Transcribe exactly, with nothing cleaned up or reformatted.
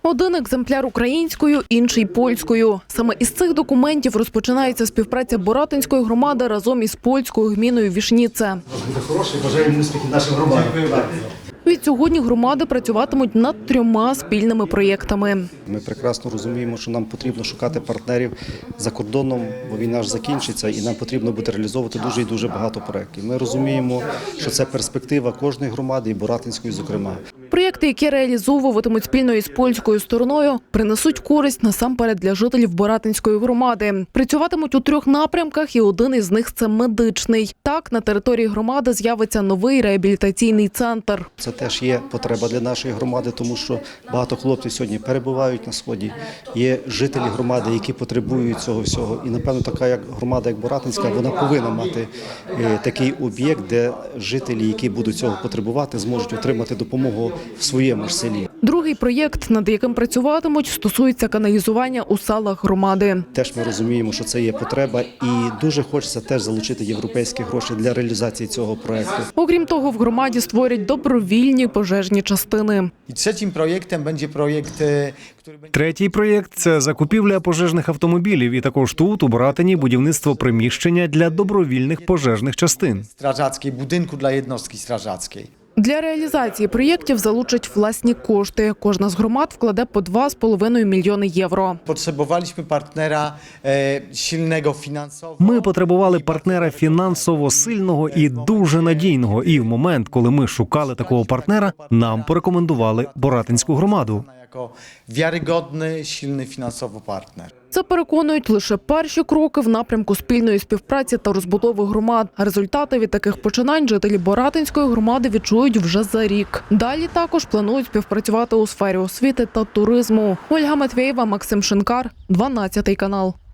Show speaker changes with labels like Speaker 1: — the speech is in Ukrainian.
Speaker 1: Один екземпляр українською, інший польською. Саме із цих документів розпочинається співпраця Боратинської громади разом із польською гміною Вішніце.
Speaker 2: Хороший, бажаємо успіхів нашим громадам.
Speaker 1: Відсьогодні громади працюватимуть над трьома спільними проєктами.
Speaker 2: Ми прекрасно розуміємо, що нам потрібно шукати партнерів за кордоном, бо війна ж закінчиться, і нам потрібно буде реалізовувати дуже і дуже багато проєктів. Ми розуміємо, що це перспектива кожної громади, і Боратинської, зокрема.
Speaker 1: Проєкти, які реалізовуватимуть спільно із польською стороною, принесуть користь насамперед для жителів Боратинської громади. Працюватимуть у трьох напрямках, і один із них – це медичний. Так, на території громади з'явиться новий реабілітаційний центр.
Speaker 2: Це теж є потреба для нашої громади, тому що багато хлопців сьогодні перебувають на Сході. Є жителі громади, які потребують цього всього. І, напевно, така як громада, як Боратинська, вона повинна мати такий об'єкт, де жителі, які будуть цього потребувати, зможуть отримати допомогу в своєму ж селі.
Speaker 1: Другий проєкт, над яким працюватимуть, стосується каналізування у селах громади.
Speaker 2: Теж ми розуміємо, що це є потреба, і дуже хочеться теж залучити європейські гроші для реалізації цього проєкту.
Speaker 1: Окрім того, в громаді створять добровільні пожежні частини.
Speaker 3: I trzecim projektem będzie projekt, który będzie...
Speaker 4: Третій проєкт – це закупівля пожежних автомобілів. І також тут, у Боратині, будівництво приміщення для добровільних пожежних частин.
Speaker 3: strażackiej, budynku dla jednostki strażackiej.
Speaker 1: Для реалізації проєктів залучать власні кошти. Кожна з громад вкладе по два з половиною мільйони євро.
Speaker 3: Potrzebowaliśmy partnera e, silnego finansowo.
Speaker 4: Ми потребували партнера фінансово сильного і дуже надійного. І в момент, коли ми шукали такого партнера, нам порекомендували Боратинську громаду.
Speaker 3: Jako wiarygodny, silny finansowo partner.
Speaker 1: Це переконують лише перші кроки в напрямку спільної співпраці та розбудови громад. Результати від таких починань жителі Боратинської громади відчують вже за рік. Далі також планують співпрацювати у сфері освіти та туризму. Ольга Матвєєва, Максим Шинкар, дванадцятий канал.